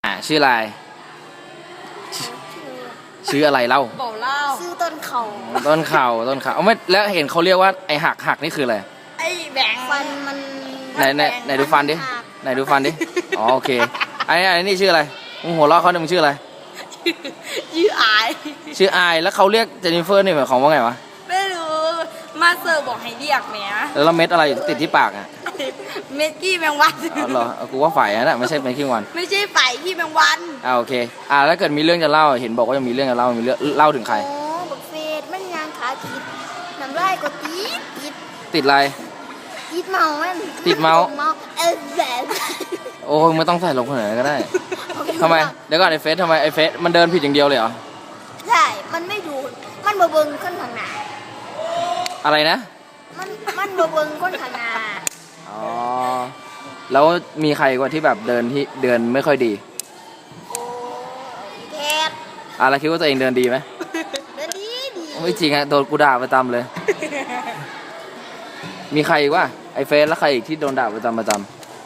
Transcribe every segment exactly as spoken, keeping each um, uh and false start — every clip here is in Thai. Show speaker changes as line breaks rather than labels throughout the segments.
อ่าชื่ออะไรชื่ออะไรเล่า
บอกเล่าชื่อต้นเขา
ต้นเข่าต้นเข่าเอาไม่แล้วเห็นเขาเรียกว่าไอหักหักนี่คืออะไร
ไอแบงฟันมัน
ไหนไหนไหนดูฟันดิไหนดูฟันดิอ๋อโอเคไอ้ไอ้นี่ชื่ออะไรมึงหัวเราะเขาเนี่ยมึงชื่ออะไร
ชื่ออาย
ชื่ออายแล้วเขาเรียกเจนนิเฟอร์นี่หมายความว่าไงวะ
ไม่รู้มาเซอร์บอกให้เรียกเนี้ย
แล้วเม็ดอะไรติดที่ปากอ่ะ
เม็ดกี้แมงวัน
อ๋อเหรอกูว่าฝ่ายนะไม่ใช่เม็ดขี้วัน
ไม่ใช่ฝ่ายขี้แมงวัน
อ่าโอเคอ่าแล้วเกิดมีเรื่องจะเล่าเห็นบอกว่าจะมีเรื่องจะเล่ามีเรื่องเล่าถึงใคร
โอ้บักเฟดมันยางขาติดน้ำลายก็ติดติด
ติดอะไร
ติดเมามัน
ติดเมา
เออแบบ
โอ้ไม่ต้องใส่ลงขนาดนั้นก็ได้ทำไมเดี๋ยวก่อนไอเฟสทำไมไอเฟสมันเดินผิดอย่างเดียวเลยเหรอ
ใช่มันไม่ดูมันบ่เบิ่งคนข้างหน้า
อะไรนะ
มันมันบ่เบิ่งคนข้างหน้า
อ๋อแล้วมีใครกว่าที่แบบเดินที่เดินไม่ค่อยดี
โอ้แก
อะไรคิดว่าตัวเองเดินดีไหม
เดินดีดี
ไม่จริงอะโดนกูด่าประจำเลยมีใครอีกวะไอเฟสแล้วใครอีกที่โดนด่าประจำประจำ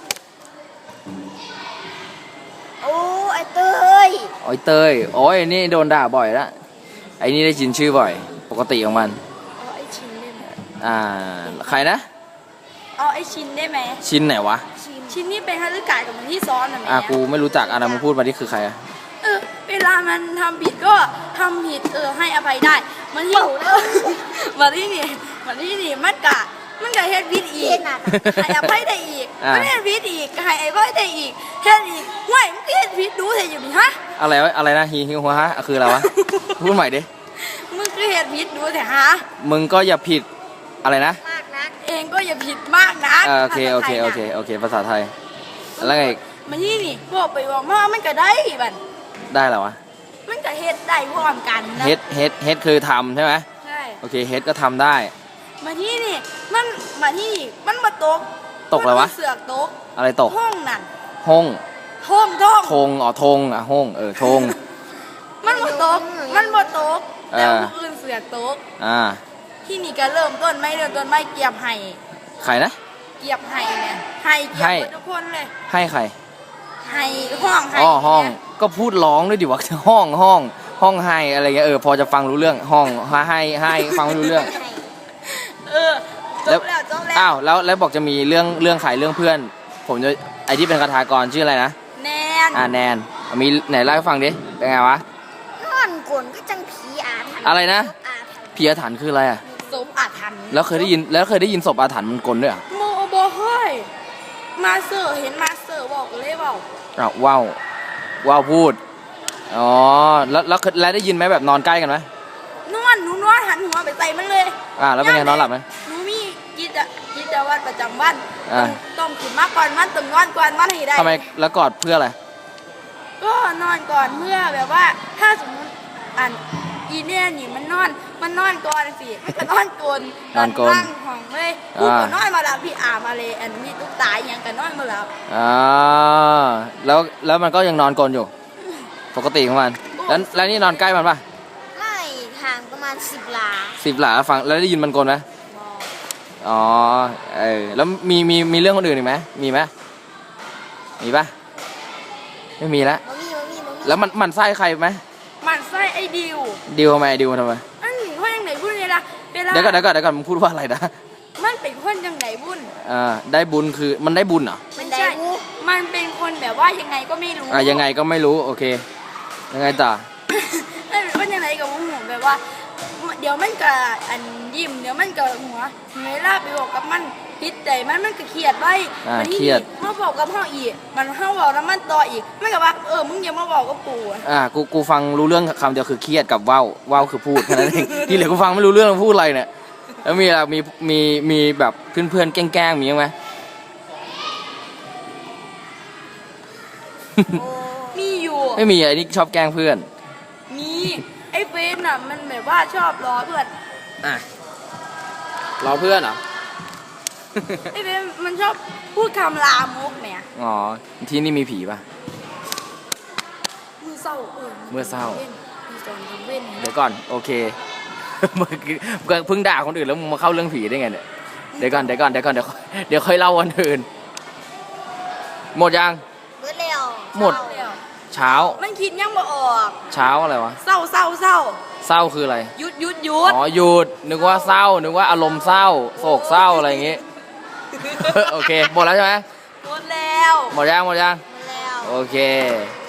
โอ้ไอเตย
โอ้ยเตยโอ้ยนี่โดนด่าบ่อยละไอนี่ได้ยินชื่อบ่อยปกติของมัน
อ๋อไอชินได้ไหม
อ่าใครนะ
อ๋อไอชินได้ไหม
ชินไหนวะ
ชินนี่เป็นฮัลลูกากับมันที่ซ้อนนะแม่
อ่ะกูไม่รู้จักอ่ะนะมึงพูดมาที่คือใครอ่ะ
เออเวลามันทำผิดก็ทำผิดเออให้อภัยได้มันที่มาที่นี่มาที่นี่มันกะมันกะเฮ็ดผิดอีกให้อภัยได้อีกมันเฮ็ดผิดอีกให้อภัยได้อีกเฮ็ดอีกห่วยมึงเฮ็ดผิดดูเถอะอยู่นี่ฮะ
อะไรวะอะไรนะฮีฮิวฮะคืออะไรวะพูดใหม่ดิ
มึงคือเฮ็ดผิดดูเถอะฮะ
มึงก็อย่าผิดอะไรนะ
มากนักเองก็อย่าผิดมากนะ
โอเคโอเคโอเคโอเคภาษาไทยแล้วไง
มาที่นี่บอกไปบอกมามันก็ได้บัด
ได้เหรอวะ
มันก็เฮ็ดได้พร้อมกันนะ
เฮ็ดเฮ็ดเฮ็ดคือทำใช่ไหม
ใช่
โอเคเฮ็ดก็ทำได้
มาที่นี่มันมาที่มันมาตก
ตกอะไรวะ
เสือกตก
อะไรตก
ห้องนั่น
ห้อง
ห้องท้อง
ทงอ๋อทงอ่ะห้องเออทง
มันมาตกมันมาตกแต่ผู้อื่นเสือกตก
อ่า
ที่นี่ก็เริ่มต้นไม่เริ่มต้นไม่เกียบไห้
ใครนะ
เกียบไห้เนี่ยไห้เกียบทุกคนเลย
ให้ใคร
ไห้ห้องไห้
อ๋อห้องก็พูดร้องด้วยดิวะห้องห้องห้องให้อะไรเงี้ยเออพอจะฟังรู้เรื่องห้องให้ให้ฟังรู้เรื่อง
เออจบแล้วจบแล้ว
อ้าวแล้วแล้วบอกจะมีเรื่องเรื่องขายเรื่องเพื่อนผมจะไอที่เป็นคาถากรชื่ออะไรนะ
แนน
อ่าแนนมีไหนเล่าให้ฟังดิเป็นไงวะ
นอนกวนก็จังผีอาถรรพ์
อะไรนะผีอาถรรพ์คืออะไรอ่ะ
ศพอาถรรพ์
แล้วเคยได้ยินแล้วเคยได้ยินศพอาถรรพ์มันกลด้วยอ่ะ
โมโบเฮ้ยมาเซอร์เห็นมาเซอร์บอกเลยเปล่า
อ้าวว้าวว้าวพูดอ๋อแล้วแล้วแล้วได้ยินไหมแบบนอนใกล้กันไหม
นอนหนูนอนหันหัวไปใส่มันเลย
อ่าแล้วเป็นไงนอนหลับไหม
หนูมีกิจกิจวัตรประจำวันต้องขึ้นมาก่อนมันต้องนอนก่อนมันให้ได้
ทำไมแล้วกอดเพื่ออะไร
ก็นอนก่อนเพื่อแบบว่าถ้าสมมติอันอีเนี่ยนี่มันนอนมันนอนก่อนสิมันก็นอนกลน
นอนกลน
ห้องเลยกูก็นอนมาแล้วพี่อามาเลยอันมีตุ๊กตาอย่างกันนอนมาแล้ว
อ่าแล้วแล้วมันก็ยังนอนกลนอยู่ปกติของมันแล้วแล้วนี่นอนใกล้มันปะ
ไม่ห่างประมาณสิบหลา
สิบหลาฟังแล้วได้ยินมันกลนไหมอ๋อเออแล้วมีมีมีเรื่องคนอื่นอีกไหมมีไหมมีปะไม่มีแล้วแล้วมันมันไส้ใครไหม
มันไส้ไอ้ดิว
ดิวทำไมดิวทำไม
อันนี้ว่ายังไงบุญเลยล่ะ
เดี๋ยวก่อนเดี๋ยวก่อนเดี๋ยวก่อนมึงพูดว่าอะไรนะ
มันเป็นคนยังไงบุญ
อ่าได้บุญคือมันได้บุญเหรอ
ไม่ใช่มันเป็นคนแบบว่ายังไงก็ไม่รู้
อ่ายังไงก็ไม่รู้โอเคยังไงต่อ
มันเป็นคนยังไงกับหัวแบบว่าเดี๋ยวมันก็อันยิ้มเดี๋ยวมันก็หัวเวลาไปบอกกับมันพิษใจมันมันก็เครียดไว้
มันเครียด
มาบอกกับพ่ออีกมันเข้าบอกแล้วมันต่ออีกไม่กับว่าเออมึงอย่ามาบอกกับกู
อ่ากูกูฟังรู้เรื่องคำเดียวคือเครียดกับว้าวว้าวคือพูดแค่นั้นเองที่เหลือกูฟังไม่รู้เรื่องพูดอะไรเนี่ยแล้วมีอะไรมีมีมีแบบเพื่อนเพื่อนแกล้งๆมีไหม
มีอยู่
ไม่มีไอ้นี่ชอบแกล้งเพื่อน
มีไอ้เฟนอ่ะมันแบบว่าชอบล้อเพื่อน
อ่ะล้อเพื่อนเหรอ
ไอ้เฟนมันชอบพูดคำลามกเนี่ย
อ๋อที่นี่มีผีป่ะ
มือเศร้าเออ
เมื่อเศร้าเดี๋ยวก่อนโอเคเพิ่งด่าคนอื่นแล้วมึงมาเข้าเรื่องผีได้ไงเนี่ยเดี๋ยวก่อนเดี๋ยวก่อนเดี๋ยวก่อนเดี๋ยวเดี๋ยวค่อยเล่าวันอื่นหมดยัง
หมดแล้ว
หมดเช้า
มันคิดยังบ่ออก
เช้าอะไรวะ
เศร้าเศร้าเศร้า
เศร้าคืออะไร
หยุดหยุดหยุด
อ๋อหยุดนึกว่าเศร้านึกว่าอารมณ์เศร้าโศกเศร้าอะไรอย่างงี้ โอเคหมดแล้วใช่ไหม
หมดแล้ว
หมดยังหมดยัง
หมดแล้ว
โอเค